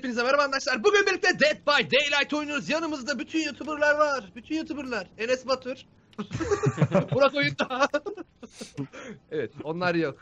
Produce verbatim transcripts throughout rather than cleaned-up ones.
hepinize merhaba arkadaşlar. Bugün birlikte Dead by Daylight oynuyoruz. Yanımızda bütün YouTuber'lar var. Bütün YouTuber'lar. Enes Batur. Burak oyunda. Evet, onlar yok.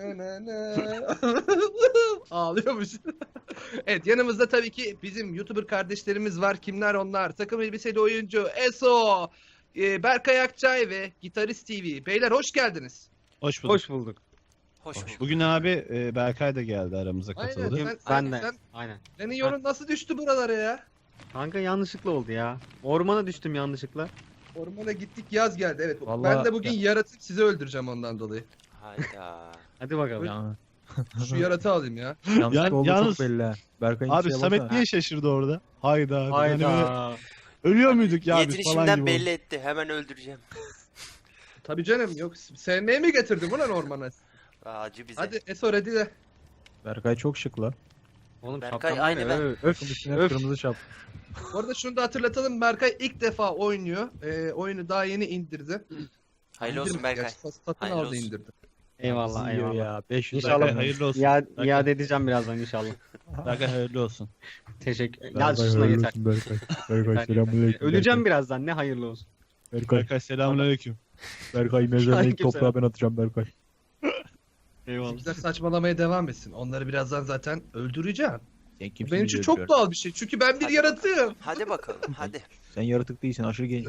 Ağlıyormuş. Evet, yanımızda tabii ki bizim YouTuber kardeşlerimiz var. Kimler onlar? Takım elbiseli oyuncu Eso, Berkay Akçay ve Gitarist T V. Beyler hoş geldiniz. Hoş bulduk. Hoş bulduk. Hoş bulduk. Bugün abi e, Berkay da geldi aramıza katıldı. Aynen, Ben sen, de. sen, Aynen. senin yorun nasıl düştü buralara ya? Kanka yanlışlıkla oldu ya. Ormana düştüm yanlışlıkla. Ormana gittik, yaz geldi. Evet. Vallahi- ben de bugün yaratıp sizi öldüreceğim ondan dolayı. Hayda. Hadi bakalım. Ya, Şu yaratığı alayım ya. yanlış Yani- oldu yalnız- çok belli ha. Berkay'ın Abi şeye Samet baksana. niye şaşırdı orada? Hayda. abi. Yani böyle Hayda. ölüyor muyduk ya biz falan Yetirişimden gibi. belli etti. Hemen öldüreceğim. Tabii canım, yok sevmeye mi getirdin ulan ormana? Acı bize. Hadi Eso ready de. Berkay çok şık la. Oğlum Berkay, şapkam aynı var ya, ben. Öf. Öf üstüne Öf. kırmızı şap. Bu arada şunu da hatırlatalım, Berkay ilk defa oynuyor. Ee, oyunu daha yeni indirdi. Hayırlı olsun İndirmedi Berkay. gerçi, sat- Satın Hayırlı aldı, olsun. indirdi. Eyvallah Bizi yiyor eyvallah. ya. beş yüz İnşallah. dakika. Hayırlı olsun. İade, Berkay. iade edeceğim birazdan inşallah. Berkay hayırlı olsun. Teşekkür. Berkay, Ya şuna hayırlı yeter. olsun Berkay. Berkay Yeter, selamünaleyküm. yeter. Öleceğim birazdan ne hayırlı olsun. Berkay. Berkay selamünaleyküm. Berkay mezarına ilk Aleyküm toprağı ben atacağım Berkay. Eyvallah. Bizimkiler saçmalamaya devam etsin. Onları birazdan zaten öldüreceğim. Sen Bu kimsin benim bizi için çok öldürüyor? doğal bir şey. Çünkü ben bir Hadi yaratığım. Hadi bakalım. Hadi. Sen yaratık değilsin aşırı genç.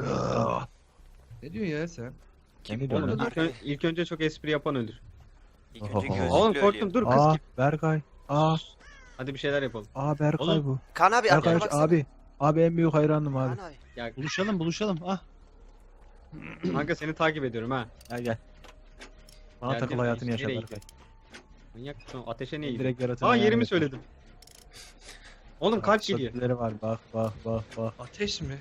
Ne diyorsun ya sen? Kim ne Oğlum diyorsun ilk, ön- ilk önce çok espri yapan ölür. İlk önce Oho. gözlüklü Oğlum ölüyor. korktum dur kız Aa gibi. Berkay. Aa. Hadi bir şeyler yapalım. Aa Berkay Oğlum, bu. Kaan abi Berkay arkana baksana. abi. Abi en büyük hayranım abi. Kaan abi. Ya Buluşalım buluşalım. Ah. kanka seni takip ediyorum ha. Gel gel. Bana Gel, takıl gel, hayatını nereye yaşa gidiyor? Berkay. Manyak mısın? Ateşe niye gidiyor? Direkt yaratığını Aa hayal yerimi et. söyledim. Oğlum kalp geliyor. Şekilleri var bak bak bak bak. Ateş mi?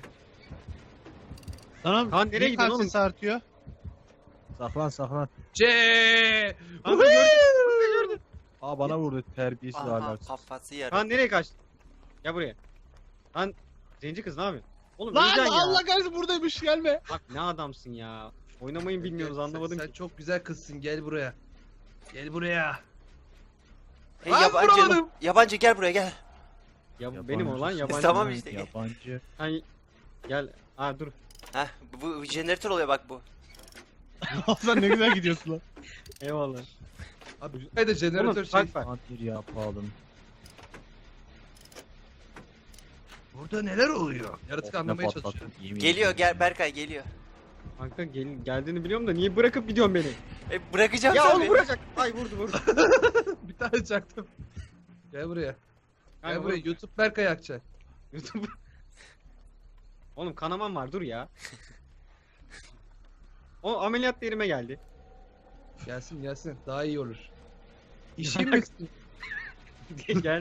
Tamam. Kaan, nereye niye gidiyorsun kalp oğlum? sesi artıyor? Saklan saklan. C. Kanka gördüm. Aa bana vurdu terbiyesiz Aha, ahlaksız. kafası yarı. Kaan nereye kaçtın? Gel buraya. Kaan zenci kız ne yapıyorsun? Oğlum Lan öleceksin ya. Allah kahretsin buradaymış gelme. Bak ne adamsın ya. Oynamayı bilmiyoruz Sen- anlamadım Sen ki. çok güzel kızsın, gel buraya. Gel buraya. Hey Lan yabancı. vuramadım. Yabancı gel buraya gel. Ya bu benim olan yabancı. Tamam işte. Yabancı. Hani gel. Aa dur. Heh bu, bu jeneratör oluyor bak bu. Sen ne güzel gidiyorsun lan. Eyvallah. Abi şuraya da jeneratör Oğlum şey. fark var. Antir yapalım. Burada neler oluyor? Yaratık Ne anlamaya patlattın, çalışıyorum. yemin Geliyor ediyorum. gel Berkay geliyor. Kanka gel, geldiğini biliyorum da niye bırakıp gidiyorsun beni? E bırakacağım Ya tabii. oğlum vuracak. Ay vurdu vurdu. Bir tane çaktım. Gel buraya. Gel Kanka, buraya. vur. YouTube Berkay Akçay. YouTube. Oğlum kanamam var dur ya. O ameliyat yerime geldi. Gelsin gelsin. Daha iyi olur. İşim mi? Gel.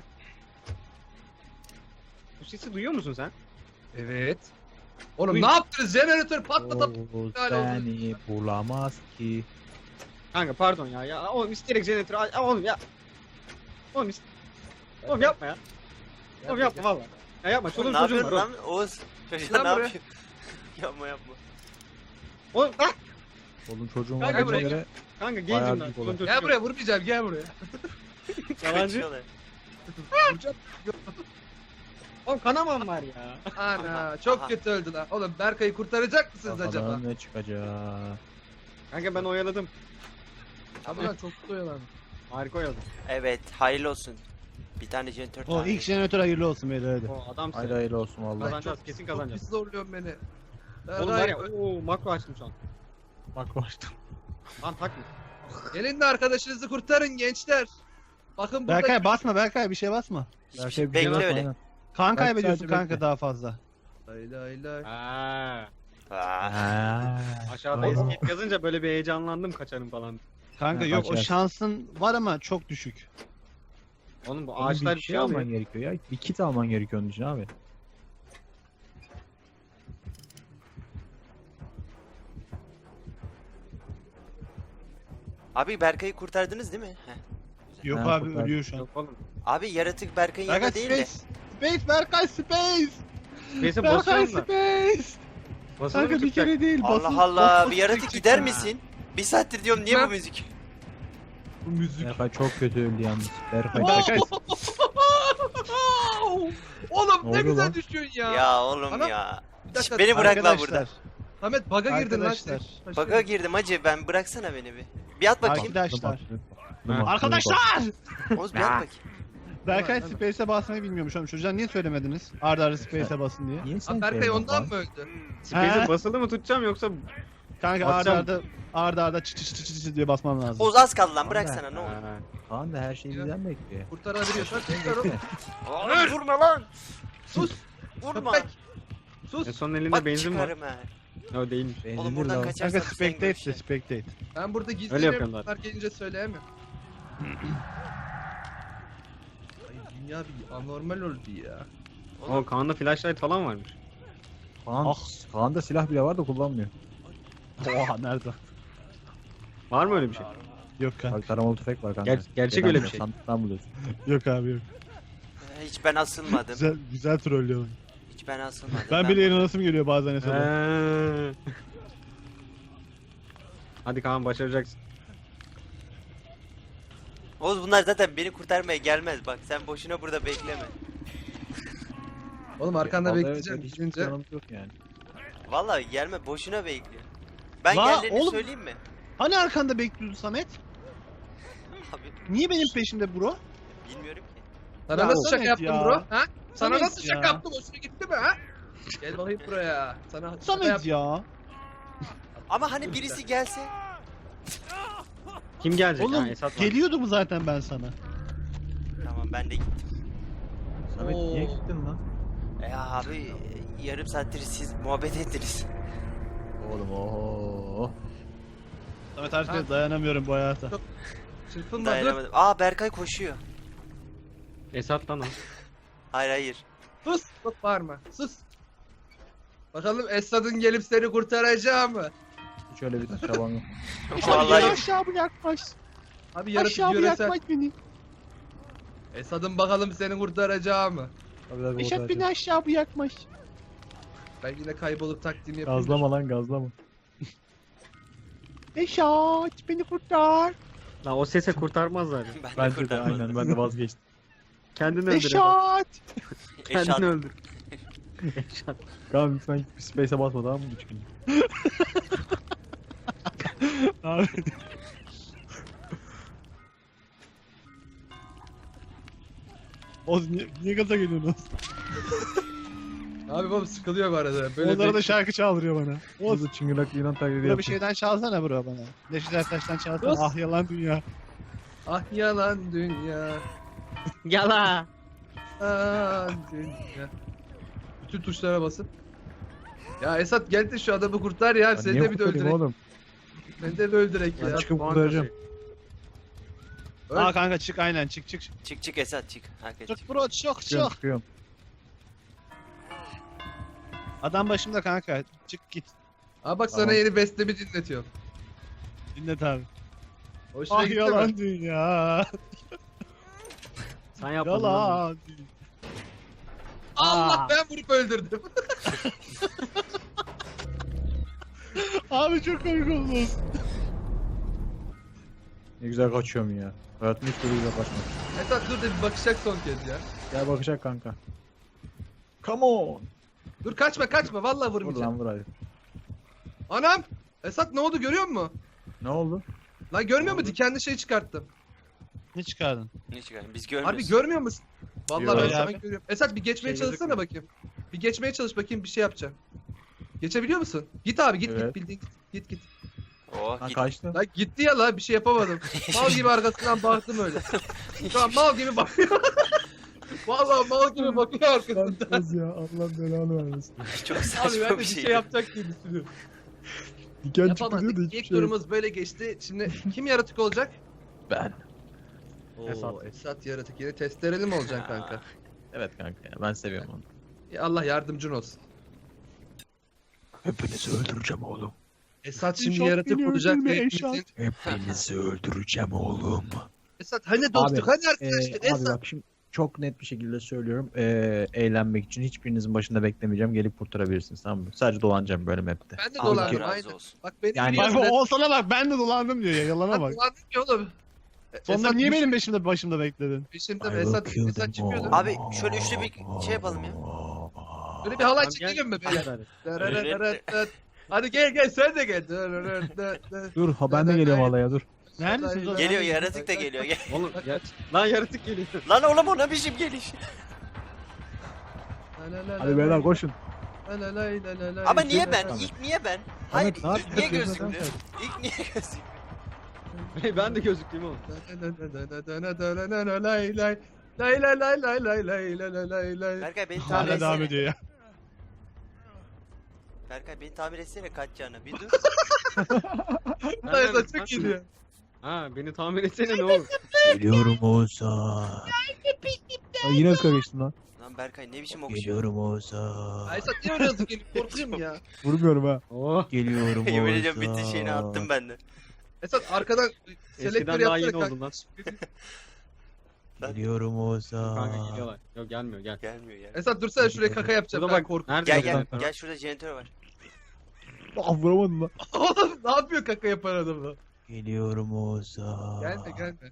Bu sesi duyuyor musun sen? Evet. Oğlum Buyur. ne yaptınız? Jeneratör patlatıp O iptal oldu. seni bulamaz ki. Kanka pardon ya. Ya oğlum isteyerek jeneratörü al. Oğlum ya. Oğlum ist... Oğlum yapma ya. Oğlum yapma valla. Ya yapma Oğlum, çoluğun ne çocuğun var. yapıyorsun Oğlum. lan Oğuz? Çocuğa Lan ne buraya. yapıyor? yapma yapma. Oğlum ah! Oğlum çocuğum Kanka var buraya göre. Kanka Bayağı gencim lan. büyük Çoluğun olay. çocuğun Gel yok. buraya, vurmayacağım, gel buraya. Yalancı. Kaçıyorlar. Vuracağım. Oğlum kanamam var ya. Ana çok Aha. kötü öldü lan. Oğlum Berkay'ı kurtaracak mısınız acaba? Bakalım ne çıkacak. Kanka ben oyaladım. Abi lan çok kötü oyalandı. Harika oyaladım. Evet hayırlı olsun. Bir tane jeneratör O tane. ilk jeneratör hayırlı olsun beyler hadi. O adamsın. Hayırlı hayırlı olsun Ay, vallahi. Kazanacağız, çok- kesin Çok kazanacağız. pis zorluyorsun beni. Oğlum var ya Ay, ooo makro açtım şu an. Bak başladım. Lan takma. Gelin de arkadaşınızı kurtarın gençler. Bakın burada. Berkay basma Berkay bir şey basma. Hiçbir şey- Bekle Berkay, öyle. aynen. Kan Belki kaybediyorsun sadece kanka bekle. daha fazla. Lay lay lay. Aa, Aa, Ha. aşağıda Vay. escape yazınca böyle bir heyecanlandım kaçarım falan. Kanka Ha, yok o kaçarsın. şansın var ama çok düşük. Oğlum bu Oğlum ağaçlar bir şey alman alıyor. gerekiyor ya. Bir kit alman gerekiyor onun için abi. Abi Berkay'ı kurtardınız değil mi? Heh. Yok Ha, abi kurtar. ölüyor şu an. Yok oğlum. Abi yaratık Berkay'ın Berkay yanında değil de. space. Space Berkay space. Neyse Berkay basıyorum da. space. Basılı mı Kanka bir tutacak? kere değil. Allah basın- Allah bas- bir bas- yaratık çık- gider çık- misin? Bir saattir diyorum niye bu müzik? Bu müzik. Berkay çok kötü öldü yalnız. Berkay Berkay Oo! Oğlum Ne ne oluyor güzel lan? düşüyorsun ya. Ya oğlum Ana- ya. Bir dakika, Beni bırak lan Arkadaşlar, burada. Ahmet baga girdin lan. Arkadaşlar. sen. Baka girdim hacı, ben bıraksana beni bir. Bir at bakayım. Arkadaşlar. Dur bak, Arkadaşlar! Oğuz bir at bakayım. Berkay Tamam, Space'e basmayı bilmiyormuş oğlum. Çocuğa niye söylemediniz? Arda arda Space'e basın diye. Niye sen Abi Berkay sevmiyorsun ondan lan? mı öldü? Space'e Ha? basılı mı tutacağım yoksa... Kanka arda Basacağım. arda arda arda çı çı çı çı çı diye basmam lazım. Oğuz az kaldı lan, bıraksana ne olur. Ha. Kaan da her şeyi bizden bekliyor. Kurtarabiliyorsan kurtar oğlum. Oğlum vurma lan. Sus. Vurma. Köpek. Sus. En son elinde Bak benzin var. çıkarım ha. O değilmiş. Oğlum Benzinli buradan lan. kaçarsan Kanka sen spectate de görüşe. spectate. Ben burada Öyle gizleniyorum. yapıyorum zaten. Bunlar gelince söyleyemem. Ay dünya bir anormal oldu ya. O Kaan'da flashlight falan varmış. Kaan, Ah. Kaan'da silah bile var da kullanmıyor. Oha nerede? Var mı öyle bir şey? Yok kanka. Bak taramalı tüfek var kanka. Ger- gerçek Neden öyle bir buluyorsun? şey. Sandıktan buluyorsun. Yok abi yok. Hiç ben asılmadım. Güzel güzel trollüyor. Hiç ben asılmadım. Ben bile inanasım geliyor bazen Esat'a. Eee. Hadi Kaan başaracaksın. Oğuz bunlar zaten beni kurtarmaya gelmez bak. Sen boşuna burada bekleme. Oğlum arkanda Vallahi bekleyeceğim. evet, hiçbir Gidince. planımız yok yani. Vallahi gelme, boşuna bekliyor. Ben La, geldiğini oğlum. söyleyeyim mi? Hani arkanda bekliyordu Samet? Abi Niye benim peşimde bro? bilmiyorum ki. Sana Ya nasıl şaka Samet yaptım ya. bro? Ha? Sana Samet nasıl şaka ya. yaptım? Hoşuna gitti mi ha? Gel bakayım buraya. Sana şaka Samet yap. ya. Ama hani birisi gelse. Kim gelecek? Oğlum Ha, Esat var. geliyordu mu zaten ben sana? Tamam ben de gittim. Samet Oo. niye gittin lan? E abi yarım saattir siz muhabbet ettiniz. Oğlum ooo. Samet Ha. artık dayanamıyorum bu hayata. Çırpınma dur. Dayanamadım. Aa Berkay koşuyor. Esat lan o. Hayır hayır. Sus. Çok bağırma. Sus. Bakalım Esad'ın gelip seni kurtaracağı mı? Hiç öyle bir çaban yok. Vallahi yok. aşağı bırakmış. Abi yaratık Aşağı yöresel. bırakmış beni. Esad'ın bakalım seni kurtaracağı mı? Tabii tabii Esat orada beni aşağı bırakmış. Ben yine kaybolup taktiğimi yapayım. Gazlama lan gazlama. Esat beni kurtar. Lan o sese kurtarmazlar. Ben de Bence de kurtarmadım. aynen ben de vazgeçtim. Kendini öldür. Esat. Esat. Eşat. Kendini öldür. Esat. Kaan lütfen bir space'e basma tamam mı üç gün? Abi. Oz niye, niye gaza geliyorsun Oz? Abi babam sıkılıyor bu arada. Böyle Onlara da bek- şarkı çaldırıyor bana. Oz Oğuz çıngırak Yunan taklidi bura bir yapıyor. şeyden çalsana bro bana. Neşet Ertaş'tan çalsana. Oz. Ah yalan dünya. Ah yalan dünya. Yala. Yalan dünya. Bütün tuşlara basın. Ya Esat gel de şu adamı kurtar ya. Ya Seni niye de bir de kurtarayım öldürek. oğlum? Seni de bir öldürek Ben ya. çıkıp Puan kurtaracağım. kasıyor. Öl. Aa kanka çık aynen çık çık. Çık çık Esat çık. Herkes çık. Çık bro çık Çıkıyorum çık. çıkıyorum. Adam başımda kanka. Çık git. Aa bak sana Tamam. yeni bestemi dinletiyorum. Dinlet abi. Hoşuna Ah gitti yalan mi? dünya. Sen yapmadın lan. Yalan dünya. Allah Aa. ben vurup öldürdüm. Abi çok komik oldu. Ne güzel kaçıyorum ya. Hayatımda hiç böyle güzel kaçmadım. Esat dur da bir bakacak son kez ya. Gel bakacak kanka. Come on. Dur kaçma kaçma vallahi Vur vurmayacağım. lan vur hadi. Anam! Esat ne oldu görüyor musun? Ne oldu? Lan görmüyor Ne musun? oldu? Dikenli şey çıkarttım. Ne çıkardın? Ne çıkarım? Biz görmüyoruz. Harbi görmüyor musun? Vallahi Yok ben ya sana abi. görüyorum. Esat bir geçmeye Şey çalışsana gözükmüyor. bakayım. Bir geçmeye çalış bakayım bir şey yapacağım. Geçebiliyor musun? Git abi git Evet. git bildiğin git git git. Oh Ha git. kaçtı. Lan gitti ya la bir şey yapamadım. Mal gibi arkasından baktım öyle. Şu an mal gibi bakıyor. Vallahi mal gibi bakıyor arkasından. Kız ya Allah belanı vermesin. Çok Abi saçma ben de bir bir şey. şey yapacak diye düşünüyorum. Diken çıktı diyor da Yapamadık. hiçbir İlk şey yok. turumuz böyle geçti. Şimdi kim yaratık olacak? Ben. Oo, Esat. Esat yaratık. Yine testereli mi olacaksın Aa. kanka? Evet kanka ya ben seviyorum onu. Ya Allah yardımcın olsun. Hepinizi öldüreceğim oğlum. Esat şimdi Eşat yaratık beni olacak öldürme, ve Eşat. hepimizin... Hepinizi öldüreceğim oğlum. Esat hani dostluk hani Ee, arkadaşlık abi Esat. bak şimdi çok net bir şekilde söylüyorum. Ee, eğlenmek için hiçbirinizin başında beklemeyeceğim. Gelip kurtarabilirsiniz tamam mı? Sadece dolanacağım böyle map'te. Ben de Allah dolandım razı aynen. olsun. Bak beni Yani- Bak biliyorsun. o sana bak ben de dolandım diyor ya yalana Ben bak. dolandım ki oğlum. Sonunda Esat niye düş- benim peşimde başımda bekledin? Peşimde I mi? Esat, will kill Esat them çıkıyordu. all. Abi şöyle üçlü bir şey yapalım ya. Böyle bir halay Tamam, gel. çekelim mi Hadi, beyler? hadi. Dırırırırır. Hadi gel gel sen de gel. Dırırırırır. Dur ha ben de geliyorum halaya dur. Neredesiniz oğlum? Geliyor yaratık da geliyor. Gel. Oğlum ya. Lan yaratık geliyor. Lan oğlum o ne biçim geliş? Hadi beyler koşun. Ama niye ben? İlk niye ben? Hayır Ahmet, ne ilk niye yapıyorsun? gözüktü? İlk niye gözüktü? Ben de gözüktüm oğlum. Lay lay lay lay lay lay lay lay lay lay lay. Berkay beni tamir Hala devam etsene. ediyor ya. Berkay beni tamir etsene kaçacağını. Bir dur. Lan Esat çok geliyor. Ha beni tamir etsene ne olur. Geliyorum Oğuzhan. Ay yine ıska geçtim lan. Lan Berkay ne biçim okşuyor? Geliyorum Oğuzhan. Ay Esat niye öyle hızlı geliyor? Korkuyorum ya. Vurmuyorum ha. Oh. Geliyorum Oğuzhan. Yemin ediyorum bitti şeyini attım ben de. Esat arkadan selektör Eskiden daha yeni yapsana oldun lan. Geliyorum Kanka Oğuzhan. geliyorlar. Yok gelmiyor gel. Gelmiyor ya. Esat dursana şuraya kaka yapacağım. Burada Ben bak korkuyorum. nerede Gel gel yazıyor? gel şurada jeneratör var. Ah vuramadım lan. Oğlum ne yapıyor kaka yapan adam lan? Geliyorum Oğuzhan. Gelme gelme.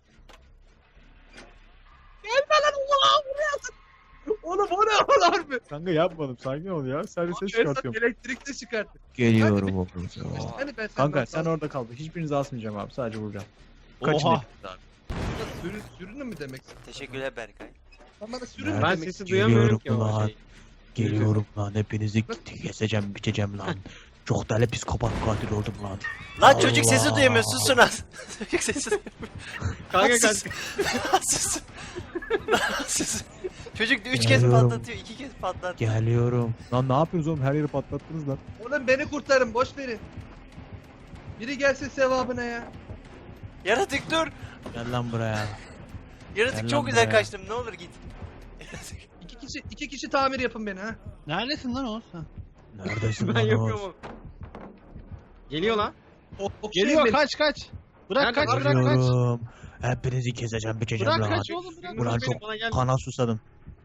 Gelme lan Allah'ım vuruyorsun. Oğlum o ne lan harbi? Kanka yapmadım sakin ol ya. Sadece ses Esat çıkartıyorum. elektrikli çıkarttı. Geliyorum Oğuzhan. Hani ben Kanka senden sen sağ- orada kal. Hiçbirinizi asmayacağım abi. Sadece vuracağım. Kaçın Oha. hepiniz abi. Sürü, sürünü mü demek? Teşekkürler Berkay. Sen bana sürün mü Ben demek? sesi duyamıyorum ki Geliyorum o ulan. şey. Geliyorum lan hepinizi keseceğim biçeceğim lan. Çok deli psikopat katil oldum lan. Lan çocuk Allah. sesi duyamıyor susun az. Çocuk sesi duyamıyor. Kanka Sus. kaç. Susun. Sus. Çocuk üç kez Geliyorum. patlatıyor, iki kez patlattı. Geliyorum. Lan ne yapıyorsunuz oğlum her yeri patlattınız lan. Oğlum beni kurtarın boş verin. Biri gelsin sevabına ya. Yaratık dur. Gel lan buraya. Yaratık Gel çok lan güzel buraya. kaçtım ne olur git. İki kişi iki kişi tamir yapın beni ha. Neredesin lan Oğuz? Ha. Neredesin Ben lan yapıyorum Oğuz? oğlum. Geliyor lan. O, okşayın Geliyor beni. kaç kaç. Bırak Nerede? kaç bırak kaç. Geliyorum. Hepinizi keseceğim biçeceğim Bırak lan. kaç oğlum bırak. Ulan Beni çok bana gel. kana susadım.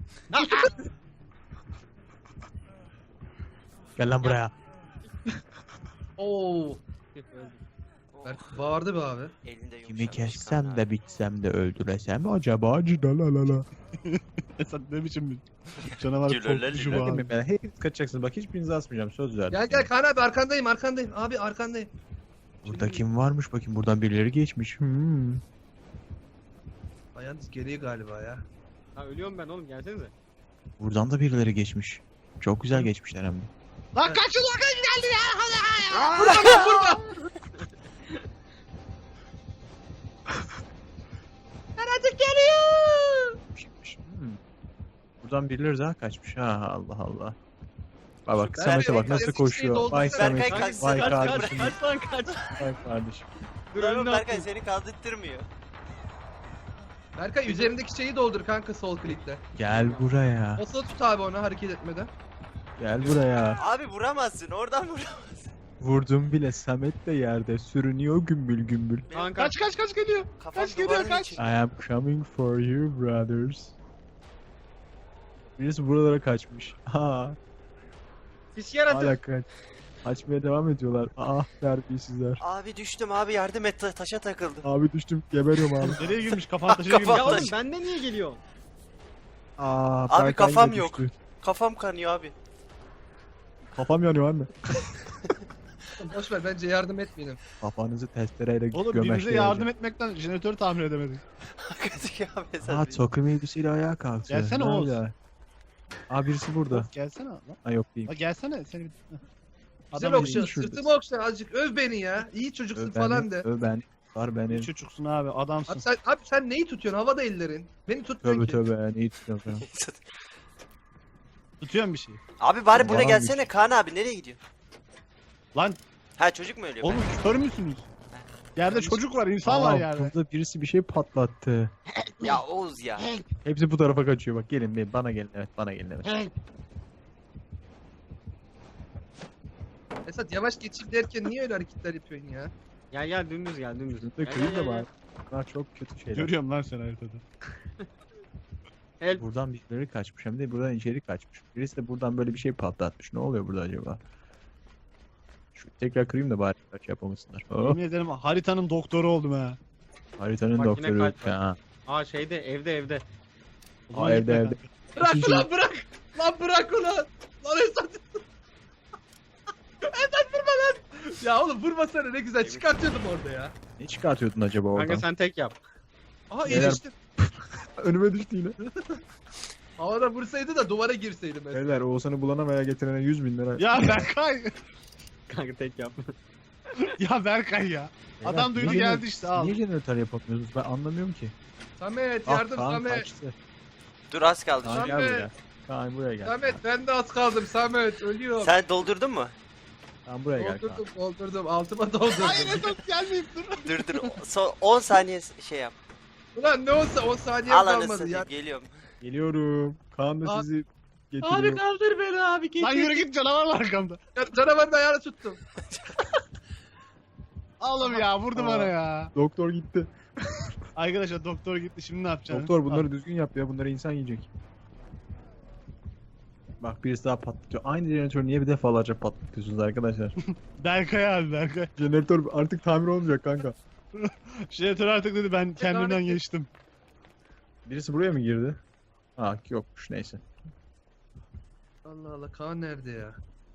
Gel lan buraya. Oo. Berk bağırdı be abi. Elinde yumuşak Kimi bir şey kessem kan de abi. bitsem de öldüresem acaba cidalalala. Esat ne biçim bir canavar Gülöler korkucu gülöler. bu abi. Bakın ben hepiniz kaçacaksınız bak hiçbirinizi asmayacağım söz verdim. Gel gel Kaan abi arkandayım arkandayım. Abi arkandayım. Burada kim varmış bakayım buradan birileri geçmiş. Hmm. Ay, yalnız geriye galiba ya. Ha ölüyorum ben oğlum gelsenize. Buradan da birileri geçmiş. Çok güzel geçmişler hem de. Lan kaçın lan kaç geldi ya. Vurma vurma. Yaratık geliyor. Hmm. Buradan birileri daha kaçmış ha Allah Allah. Bak bak Ben- Samet'e bak ben- nasıl ben- koşuyor. doldur- Vay Samet. Berkay kaç, Vay kaç, kaç, kardeşim. Kaç lan kaç. Vay kardeşim. Dur Lan oğlum önüne Berkay attım. seni kaldırtmıyor. Berkay üzerindeki şeyi doldur kanka sol klikle. Gel buraya. Basılı tut abi onu hareket etmeden. Gel buraya. Abi vuramazsın oradan vuramazsın. Vurdum bile Samet de yerde sürünüyor gümbül gümbül. Kanka. Kaç kaç kaç geliyor. Kafam Kaç geliyor, duvarın kaç? içinde. I am coming for you brothers. Birisi buralara kaçmış. Ha, Pis yaratık. hala kaç. Kaçmaya devam ediyorlar. Ah terbiyesizler. Abi düştüm abi yardım et ta- taşa takıldım. Abi düştüm geberiyorum abi. Nereye girmiş kafan taşına girmiş. Ya Kafam- oğlum bende niye geliyor? Aa, Abi Berkay kafam yine yok. düştü. Kafam kanıyor abi. Kafam yanıyor anne. Boş ver bence yardım etmeyelim. Kafanızı testereyle Oğlum birinize gömeşleyeceğim. yardım etmekten jeneratörü tamir edemedik. Kötü abi Aa sen. takım elbiseyle ayağa kalkıyor. Gelsene Oğuz. Nerede? Aa birisi burada. Oğuz gelsene lan. Ha yok değil. La gelsene seni. bir- Güzel Adam okşa. iyi. şurada. Sırtımı okşa azıcık. Öv beni ya. İyi çocuksun Öv falan beni, de. öv beni. Var benim. İyi çocuksun abi adamsın. Abi sen, abi sen neyi tutuyorsun? Havada ellerin. Beni tutmuyorsun Tövbe ki. tövbe neyi tutuyorsun falan. Tutuyorsun bir şey. Abi bari burada Yalan gelsene Kaan abi nereye gidiyor? Lan Ha çocuk mu ölüyor? oğlum kör müsünüz? Yerde çocuk var insan var Aa, yerde. burada birisi bir şey patlattı. Ben- Ya Oğuz ya. Hepsi bu tarafa kaçıyor bak gelin gelin bana gelin evet bana gelin evet. Esat yavaş geçeyim derken niye öyle hareketler yapıyorsun ya? Gel gel dümdüz gel dümdüz. Bizim de Gel, köyün gel, de gel, var. Bunlar çok kötü şeyler. Görüyorum lan seni haritada. Help. Buradan birileri kaçmış hem de buradan içeri kaçmış. Birisi de buradan böyle bir şey patlatmış. Ne oluyor burada acaba? Şu tekrar kırayım da bari kaç yapamasınlar. Oh. Yemin ederim haritanın doktoru oldum ha. Haritanın Makine doktoru kalp yok ya. Aa şeyde evde evde. Aa, evde evde. Bırak İkinci- ulan bırak. Lan bırak ulan. Lan Esat. Esat vurma lan. Ya oğlum vurmasana ne güzel çıkartıyordum orada ya. Ne çıkartıyordun acaba oradan? Kanka sen tek yap. Aha Beyler- iyileştim. Önüme düştü yine. Havada vursaydı da duvara girseydim mesela. Beyler Oğuzhan'ı bulana veya getirene yüz bin lira. Ya Berkay. Kanka tek yap. Ya Berkay ya. Adam Beyler, duydu niye geldi jener- işte al. Niye jeneratör yapamıyorsunuz ben anlamıyorum ki. Samet Ah yardım Kaan Samet. kaçtı. Dur az kaldı. Kaan Samet. gel buraya. Kaan buraya gel. Samet ben de az kaldım Samet ölüyorum. Sen doldurdun mu? Kaan buraya gel Kaan. Doldurdum doldurdum altıma doldurdum. Hayır Esat gelmeyip dur. Dur dur. Son on saniye şey yap. Ulan ne olsa on saniye Al kalmadı anasını ya. geliyorum. Geliyorum. Kaan da Abi- sizi getiriyor. kaldır beni abi getir. Lan yürü git canavar var arkamda. Ya, canavarın ayağını tuttum. Oğlum ya vurdu Aa. bana ya. Doktor gitti. Arkadaşlar doktor gitti şimdi ne yapacaksın? Doktor bunları düzgün yap ya. Bunları insan yiyecek. Bak birisi daha patlatıyor. Aynı jeneratörü niye bir defalarca patlatıyorsunuz arkadaşlar? Berkay abi Berkay. Jeneratör artık tamir olmayacak kanka. Jeneratör artık dedi ben kendimden geçtim. Birisi buraya mı girdi? Ha yokmuş neyse. Allah Allah Kaan nerede ya?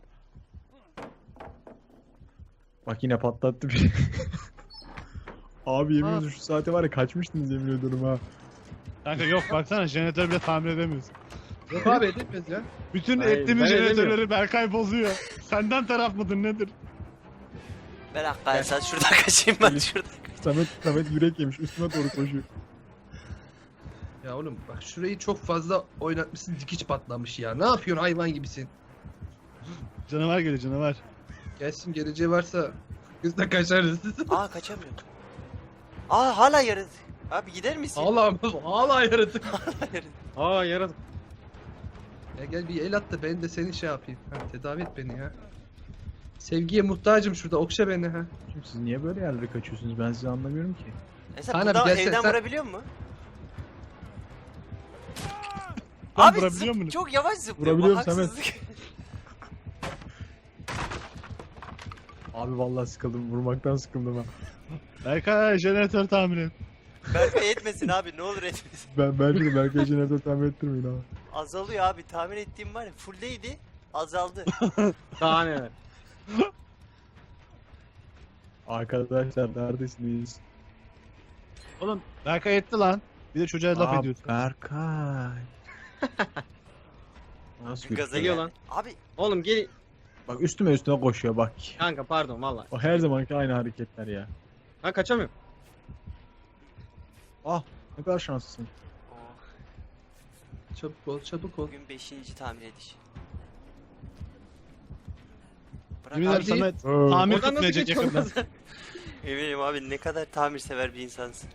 Bak yine patlattı bir. Abi yemin Ha. ediyorum şu saate var ya kaçmıştınız yemin ediyorum ha. Kanka yok baksana jeneratör bile tamir edemiyoruz. Yok abi edilmez ya. Bütün Hayır, ettiğimiz ben jeneratörleri edemiyorum. Berkay bozuyor. Senden taraf mıdır nedir? Ben hakikaten sen şuradan kaçayım ben şuradan. Samet, Samet yürek yemiş üstüme doğru koşuyor. Ya oğlum bak şurayı çok fazla oynatmışsın dikiş patlamış ya. Ne yapıyorsun hayvan gibisin. Canavar geliyor canavar. Gelsin geleceği varsa biz de kaçarız. Aa kaçamıyorum. Aa hala yarın. Abi gider misin? Ağla ağla yaratık. Aa yaratık. Ya gel bir el at da ben de seni şey yapayım. Ha, tedavi et beni ya. Sevgiye muhtacım şurada okşa beni ha. Şimdi siz niye böyle yerlere kaçıyorsunuz ben sizi anlamıyorum ki. Mesela Kaan abi buradan gelsene, evden sen- vurabiliyor mu? Lan Abi vurabiliyor zıp- musun? çok yavaş zıplıyor. Vurabiliyorum bu Samet. haksızlık. Abi vallahi sıkıldım vurmaktan sıkıldım ha. Berkay jeneratör tamir et. Berkay etmesin abi ne olur etmesin. Ben bence de Berkay jeneratör tamir ettirmeyin abi. Azalıyor abi tahmin ettiğim var ya fulldeydi azaldı. Daha neler. Arkadaşlar neredesiniz? Oğlum Berkay etti lan. Bir de çocuğa laf Aa, ediyorsun. Berkay. Nasıl Gaza Geliyor gel. lan. Abi Oğlum gel. Bak üstüme üstüne koşuyor bak. Kanka pardon valla. O her zamanki aynı hareketler ya. Ben kaçamıyorum. Ah ne kadar şanslısın. oh, Çabuk ol çabuk ol. bugün beşinci tamir ediş. Bırak Yemin abi. ederim Samet Ee, tamir Oradan nasıl tutmayacak geçiyorsun? yakında. Eminim abi ne kadar tamir sever bir insansın.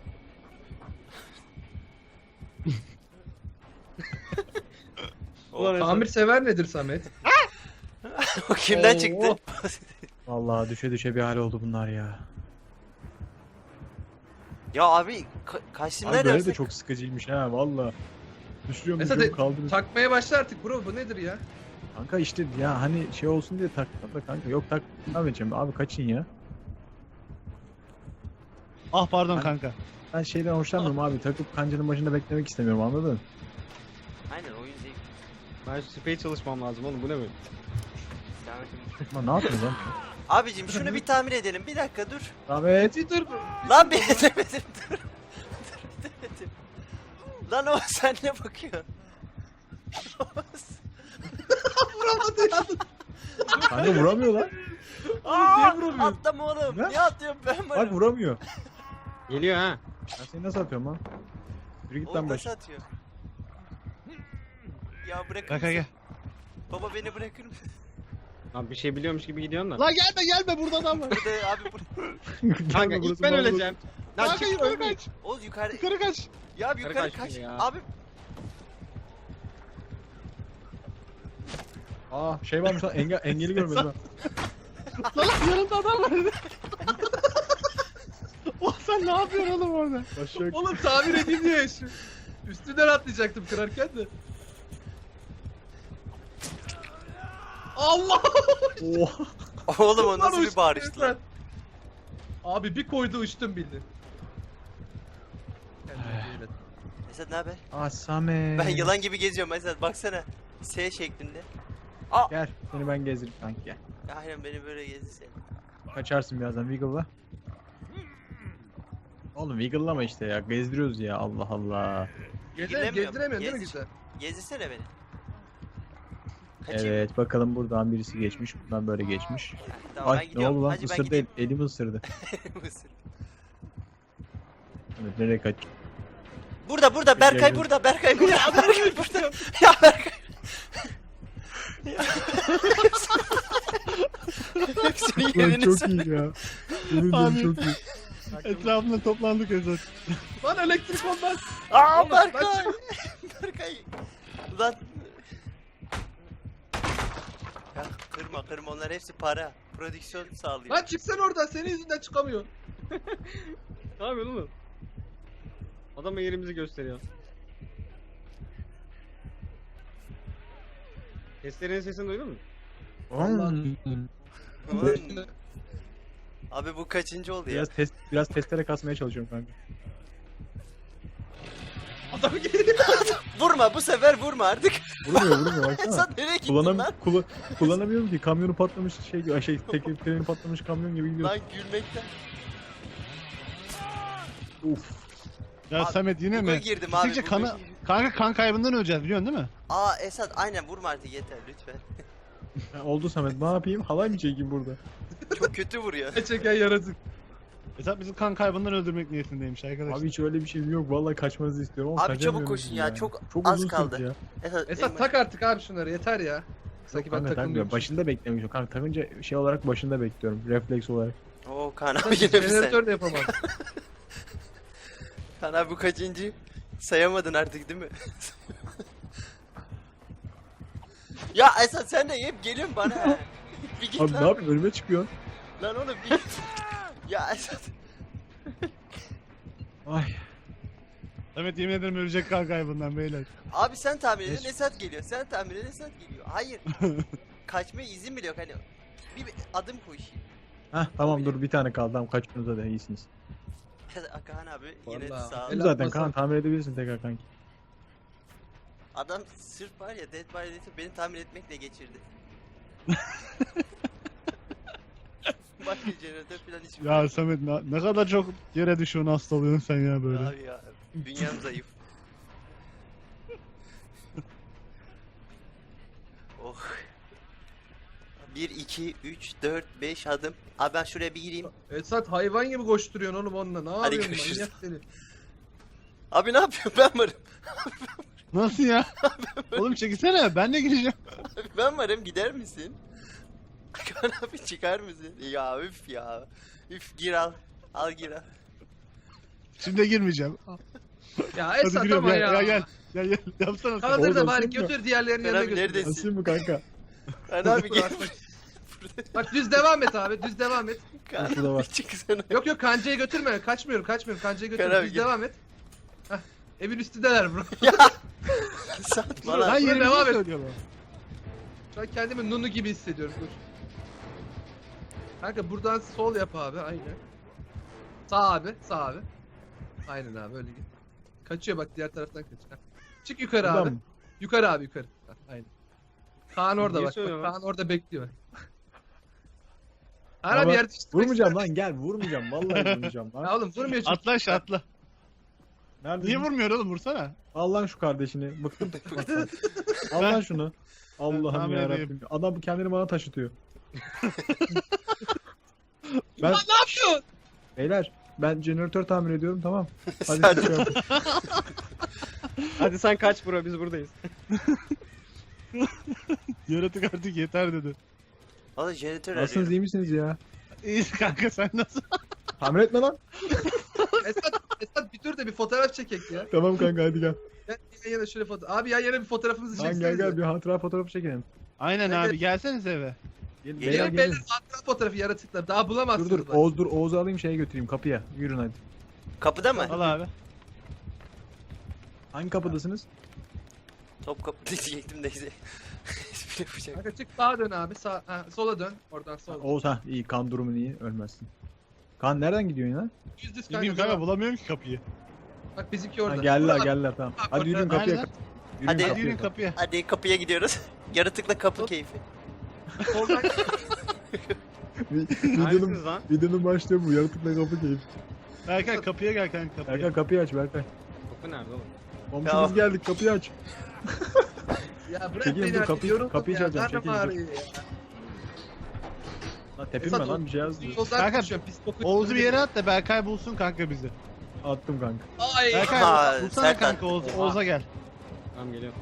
Ulan Esat. Tamir sever nedir Samet? O kimden Oo. çıktı? Vallahi düşe düşe bir hal oldu bunlar ya. Ya abi ka kaçtım Abi böyle de neredeyse. çok sıkıcıymış ha valla. Düşürüyorum Esat düşürüyorum e, kaldınız. takmaya başla artık bro bu nedir ya? Kanka işte ya hani şey olsun diye taktım da kanka yok tak Ahmetciğim abi kaçın ya. Ah pardon Ben- kanka. Ben şeyden hoşlanmıyorum abi takıp kancanın başında beklemek istemiyorum anladın? Aynen oyun zevkli. Ben şu sprey çalışmam lazım oğlum bu ne böyle? Devam edelim. Ama ne yapıyorsun lan? Abicim şunu bir tamir edelim. Bir dakika dur. Ahmet. Bir dur. Lan bir edemedim dur. Dur edemedim. Lan o sen ne bakıyorsun? Vuramadı ya. Kanka vuramıyor lan. Aa, vuramıyorsun? atlama oğlum. Ne? Niye atlıyorum ben Bak varım. vuramıyor. Geliyor ha. Ben seni nasıl atıyorum lan? Yürü git Oğlum lan nasıl baş. atıyor? Ya bırakır Berkay gel. mısın? Baba beni bırakır mısın? Lan bir şey biliyormuş gibi gidiyorsun da. Lan gelme gelme burada adam var. Burada abi burada. Kanka Burası ilk ben bana öleceğim. Lan Kanka kim yukarı ölmeyeyim? kaç. Oğuz yukarı. Yukarı kaç. Ya abi Yukarı yukarı kaç kaç. ya. Abi Aa şey varmış lan engel, engeli görmedim ha. Lan yanımda adam var. Oh sen ne yapıyorsun oğlum orada? Başak. Oğlum tamir edeyim diye şu. Üstünden atlayacaktım kırarken de. Allah! Oha. oğlum o nasıl Lan bir uçtu bağırıştı lan? resmen. Abi bir koydu uçtum bildin. Esat ne haber? Ah Samet. Ben yılan gibi geziyorum Esat baksana. S şeklinde. Gel seni ben gezdiririm kanki gel. Aynen beni böyle gezdirsen. Kaçarsın birazdan Wiggle'la. Oğlum Wiggle'lama işte ya gezdiriyoruz ya Allah Allah. Gezdiremiyorum, Bilemiyorum. gezdiremiyorsun değil mi Gez- güzel? Gezdirsene beni. Kaçayım. Evet bakalım buradan birisi geçmiş buradan böyle geçmiş. Ha, tamam ben Ay ne gidiyorum. oldu lan Hacı ben ısırdı gideyim. el, elimi ısırdı. Mısır. Evet nereye kaç? Burada burada Berkay Geliyorum. burada Berkay burada Berkay burada. Ya Berkay. Ya. Hepsinin Lan yerini çok söyle. iyi ya. Yemin Abi. ederim çok iyi. Etrafında toplandık Esat. Lan elektrik olmaz. Aa Oğlum, ben Berkay. Berkay. Ulan. Ya kırma kırma onlar hepsi para. Prodüksiyon sağlıyor. Lan çıksana oradan, senin yüzünden çıkamıyor. Ne yapıyorsun oğlum? Adam yerimizi gösteriyor. Testerenin sesini duydun mu? Vallahi. Ulan. Abi bu kaçıncı oldu ya? Biraz test biraz testere kasmaya çalışıyorum kanka. Adam geliyor. Vurma bu sefer vurma artık. Vurmuyor vurmuyor baksana. Sen nereye gittin Kullanam lan? kula- kullanamıyorum ki kamyonu patlamış şey gibi şey tekerleği patlamış kamyon gibi gidiyor. Lan gülmekten. Uf. Ya Abi, Samet yine Buga mi? girdim abi. Gittikçe buga kanı, girdim. kanka kan kaybından öleceğiz biliyorsun değil mi? Aa Esat aynen vurma artık yeter lütfen. Ha, oldu Samet ne yapayım halay mı çekeyim burada? Çok kötü vuruyor. Çeken yaratık. Esat bizi kan kaybından öldürmek niyetindeymiş arkadaşlar. Abi hiç öyle bir şey yok vallahi kaçmanızı istiyorum ama Abi çabuk kaçamıyorum koşun ya, yani. çok çok az uzun kaldı. sürdü ya. Esat, Esat benim- tak artık abi şunları, yeter ya. Sanki ben Kanka takmıyorum. takılmıyorum. Başında beklemişim. Kanka takınca şey olarak başında bekliyorum. Refleks olarak. Oo Kaan abi yine bir sen. Jeneratör de yapamam. Kaan abi bu kaçıncı? Sayamadın artık değil mi? Ya Esat sen de hep geliyorsun bana. ha. Bir git Abi lan. ne yapayım önüme çıkıyorsun. Lan oğlum bir git. Ya Esat. Ay. Samet yemin ederim ölecek kan kaybından beyler. Abi sen tahmin edin Geç. Esat geliyor. Sen tahmin edin Esat geliyor. Hayır. Kaçmaya izin bile yok hani. Bir, bir adım koşayım. Heh tamam dur bir tane kaldı. Tamam kaçtınız da iyisiniz. Kaan abi yine Vallahi. sağ ol. El Zaten atmasan- kan tamir edebilirsin tekrar kanki. Adam sırf var ya Dead by Daylight'ı beni tahmin etmekle geçirdi. Başka jeneratör falan hiç Ya Samet ne, ne kadar çok yere düşüyorsun hasta oluyorsun sen ya böyle. Abi ya dünyam zayıf. Oh. bir, iki, üç, dört, beş adım. Abi ben şuraya bir gireyim. Esat hayvan gibi koşturuyorsun oğlum onunla. Ne Hadi yapıyorsun görüşürüz. manyak seni. Abi ne yapıyorsun ben varım. Nasıl ya? Oğlum çekilsene ben de gireceğim. Abi ben varım gider misin? Kaan abi çıkar mısın? Ya üf ya. Üf gir al. Al gir al. Şimdi girmeyeceğim. Ya Hadi Esat giriyorum ama ya. ya. Gel gel. Gel gel. Yapsana sen. Kaldır da Oğlum, bari sen mi? götür diğerlerinin Ben yanına abi götür. neredesin? Nasıl mı kanka? Kaan abi gel. Bak düz devam et abi, düz devam et. Kaan Şurada var. abi çıksana. Yok yok kancayı götürme. Kaçmıyorum, kaçmıyorum. Kancayı götürme. Karar Düz git. devam et. Heh. Evin üstündeler bro. Ya. Satma Lan lan. Hayır. yerimizi devam et. söylüyorlar. Şu an kendimi Nunu gibi hissediyorum. Dur. Kanka buradan sol yap abi. Aynen. Sağ abi. Sağ abi. Aynen abi öyle git. Kaçıyor bak diğer taraftan kaçıyor. Çık yukarı Buradan abi. mı? Yukarı abi yukarı. Heh, aynen. Kaan orada Niye bak. bak. söylüyorsun lan? Kaan orada bekliyor. Kaan Ya abi bak, yer değiştirmek Vurmayacağım ister lan gel vurmayacağım. Vallahi vurmayacağım misin? lan. Ya oğlum vurmuyor çünkü. Atla aşağı atla. Nerede? Niye vurmuyor oğlum vursana. Al lan şu kardeşini. Bıktım tutmaktan. Al lan şunu. Allah'ım tahmin ya edeyim. Rabbim. Adam kendini bana taşıtıyor. ben Ne yapıyorsun? beyler ben jeneratör tamir ediyorum tamam. Hadi Sen- siz şey yapın. Hadi sen kaç bro biz buradayız. Yaratık artık yeter dedi. Valla jeneratör Nasılsınız arıyorum. iyi misiniz ya? İyi kanka sen nasıl? Tamir etme lan. Esat, Esat bir dur da bir fotoğraf çekek ya. Tamam kanka hadi gel. Gel yan yana şöyle foto. Abi yan yana bir fotoğrafımızı Lan çeksenize. gel gel bir hatıra fotoğrafı çekelim. Aynen Evet. abi gelseniz eve. Gelin, Gelin, beyler Gelin gelin. beyler hatıra fotoğrafı yaratıklar. Daha bulamazsınız. Dur dur bak. Oğuz dur Oğuz'u alayım şeye götüreyim kapıya. Yürün hadi. Kapıda mı? Al abi. Hangi kapıdasınız? Top kapı diyecektim neyse. Espri yapacak. Kanka çık sağa dön abi. Sağ, ha, sola dön. Oradan sola. Oğuz ha iyi kan durumun iyi ölmezsin. Kan nereden gidiyorsun ya? Yüz düz kanka. Bilmiyorum kanka devam. bulamıyorum ki kapıyı. Bak bizimki Ha, orada. geldiler Burada. geldiler tamam. Bak, Hadi yürüyün orada. kapıya. Nerede? Yürüyün Hadi. Hadi kapıya. yürüyün kapıya. Hadi kapıya gidiyoruz. Yaratıkla kapı keyfi. Soldan. Neredesiniz lan? videonun başlığı bu. Yaratıkla kapı keyif. Berkay kapıya gel kanka kapıya. Berkay kapıyı aç Berkay. Kapı nerede oğlum? Komşumuz geldik kapıyı aç. Ya bırak Çekilin, beni dur, artık, kapıyı- yoruldum kapıyı ya. çalacağım, Karnım çekilin, dur. ağrıyor ya. Lan tepinme Esat, lan bir şey yazdı. Yoldan Kanka, düşüyorum, pis kokuyor. Oğuz'u bir yere at da Berkay bulsun kanka bizi. Attım kanka. Ay. Berkay Ha, bulsana Serkan. kanka Oğuz, Oha. Oğuz'a gel. Tamam geliyorum.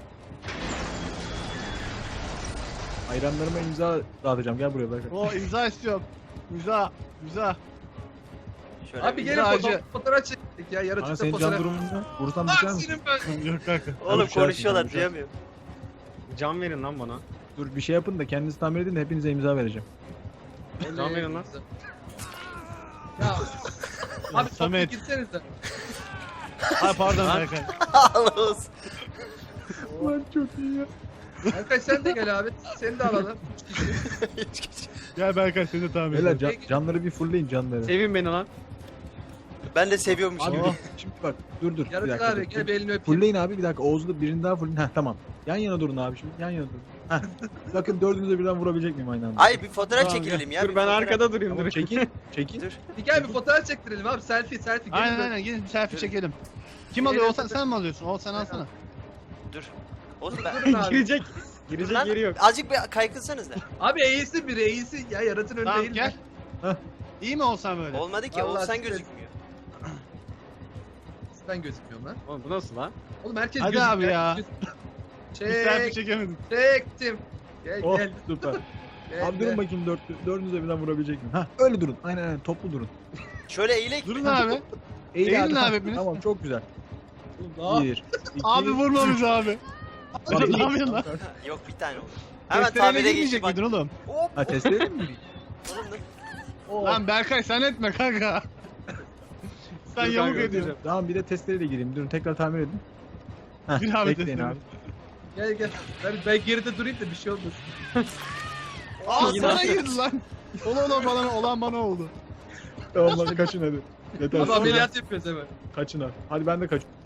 Hayranlarıma imza dağıtacağım. Gel buraya Berkay. O imza istiyorum. İmza. İmza. Şöyle Abi bir- gelin Sadece- fotoğraf, fotoğraf çektik ya. Kanka Yaratıkta senin can fotoğraf. durumun ne? Vursam Aa düşer misin? senin ben. Yok kanka. Oğlum düşersin, konuşuyorlar düşersin. duyamıyorum. Can verin lan bana. Dur bir şey yapın da kendinizi tamir edin de hepinize imza vereceğim. Can verin lan. Ya. Abi Samet. Samet. Gitsenize. Ay pardon Lan. Berkay. Ağlıyoruz. Lan çok iyi ya. Berkay sen de gel abi. Seni de alalım. Gel Berkay seni de tamir Beyler edelim. can, canları bir fullleyin canları. Sevin beni lan. Ben de seviyormuşum. Abi Oh. şimdi bak dur dur. bir Yaratık dakika, abi dur. gel bir elini öpeyim. Fullleyin abi bir dakika Oğuz'u birini daha fullleyin. Heh tamam. Yan yana durun abi şimdi yan yana durun. Heh. Bakın dördünüze birden vurabilecek miyim aynı anda? Ay bir fotoğraf Tamam, çekilelim ya. Dur bir ben fotoğraf. arkada durayım Tamam, dur. çekin. Çekin. Dur. Bir gel bir fotoğraf çektirelim abi. Selfie selfie. Gelin Aynen böyle. aynen gelin bir selfie çekelim. Kim Bir alıyor yere Oğuzhan fotoğraf- sen mi alıyorsun? Oğuzhan sen alsana. Dur. Oğlum ben... Durun abi. Girecek. Dur Girecek lan. yeri yok. Azıcık bir kaykılsanız da. Abi eğilsin biri eğilsin. Ya yaratın önünde Tamam eğilme. gel. Heh. İyi mi Oğuzhan böyle? Olmadı ki. Vallahi Oğuzhan size- gözükmüyor. Ben gözükmüyorum lan. Oğlum bu nasıl lan? Oğlum herkes Hadi gözüküyor. abi ya. herkes Bir selfie Çek. çekemedim. Çektim. Gel Oh gel. süper. gel, Abi gel. durun bakayım dört, dördünüze birden vurabilecek miyim? Hah öyle durun. Aynen aynen toplu durun. Şöyle eğilek. Durun abi. Eğil Eğilin hadi. abi hepiniz. Tamam çok güzel. Oğlum, Bir, iki, Abi vurma bizi abi. Bak, Ne yapıyorsun lan? Ha, Yok bir tane oldu. Hemen Testereyle tamire girmeyecek geçti bak. miydin oğlum? Hop. Ha testleri mi? Oğlum dur. Oh. Lan Berkay sen etme kanka. Sen Dur yamuk kanka, ediyorsun. Tamam bir de testereyle gireyim. Durun tekrar tamir edin. Heh, Bir abi bekleyin testere. abi. Gel gel. Ben, ben geride durayım da bir şey olmasın. Aa Yine- sana girdi lan. Olan olan bana, olan bana oldu. Tamam hadi kaçın hadi. Yeter. Abi ameliyat yapıyoruz hemen. Kaçın abi. Hadi ben de kaçıyorum.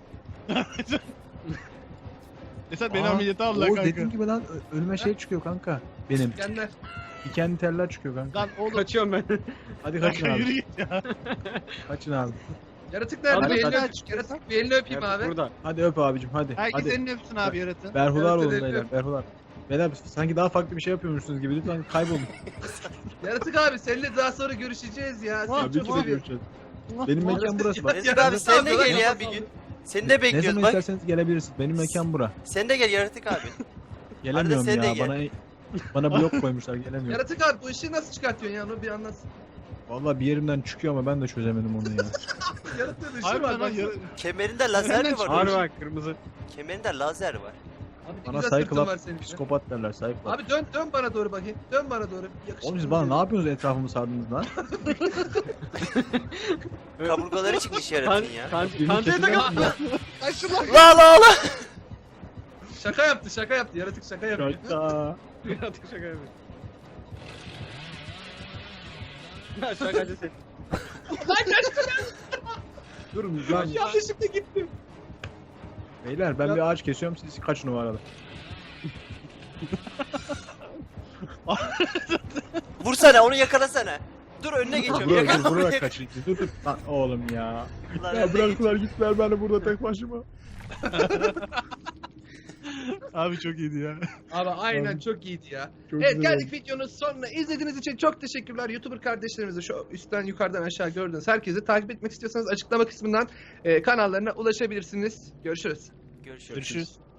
Esat beni Aa, ameliyata aldılar Oğuz kanka. dediğim gibi lan ö- önüme şey çıkıyor kanka. Benim. Genler. Dikenli teller çıkıyor kanka. Lan oğlum. Kaçıyorum ben. Hadi kaçın Berkay yürü abi. git ya. Kaçın abi. Yaratık nerede? Hadi Bir elini kaç. öpeyim. Yaratık bir elini öpeyim Yaratık abi. burada. Hadi öp abicim hadi. Herkes hadi. elini öpsün abi yaratın. Berhudar Yaratın olun elini beyler. öp. Berhudar. Beyler sanki daha farklı bir şey yapıyormuşsunuz gibi. Lütfen kaybolun. Yaratık abi seninle daha sonra görüşeceğiz ya. Seni Tabii çok ki de seviyorum. görüşeceğiz. Benim mekan burası bak. Nezir Ya, abi sen de abi, gel ya bir abi. gün. Seni de Ne bekliyoruz zaman bak. isterseniz gelebilirsiniz. Benim mekan bura. Sen de gel yaratık abi. Gelemiyorum sen de ya. gel. Bana bana blok koymuşlar. Gelemiyorum. Yaratık abi bu ışığı nasıl çıkartıyorsun ya? Onu bir anlatsın. Vallahi bir yerimden çıkıyor ama ben de çözemedim onu ya. Yaratığın ışığı Abi var. lan bak. yara- Kemerinde lazer mi var? Harbi oğlum? bak kırmızı. Kemerinde lazer var. Abi ne Bana güzel sırtın var Cyclops senin. psikopat derler Cyclops. Abi dön dön bana doğru bakayım. Dön bana doğru. Yakışıklı Oğlum siz bana bir- ne yapıyorsunuz etrafımı sardınız lan? Kaburgaları çıkmış Kan, yaratın ya. kan, Birini kan kesin yapın ya. Kaçtı lan. La la la. Şaka yaptı şaka yaptı. Yaratık şaka yapıyor. Şaka. Yaratık şaka yapıyor. Ya şakacı sen. Durun lan. Yanlışlıkla gittim. Beyler ben Ya- bir ağaç kesiyorum siz kaç numaralı? Vursana onu yakalasana. Dur önüne geçiyorum. Vurarak, Yakala onu. vurarak yakala. kaçın. Dur dur. Lan oğlum ya. Lan Ya önüne bıraktılar gittiler ben de burada tek başıma. Abi çok iyiydi ya. Abi aynen Abi. çok iyiydi ya. Çok Evet güzel geldik videonun sonuna. İzlediğiniz için çok teşekkürler. YouTuber kardeşlerimize şu üstten yukarıdan aşağı gördüğünüz herkesi takip etmek istiyorsanız açıklama kısmından e, kanallarına ulaşabilirsiniz. Görüşürüz. Görüşürüz. Görüşürüz.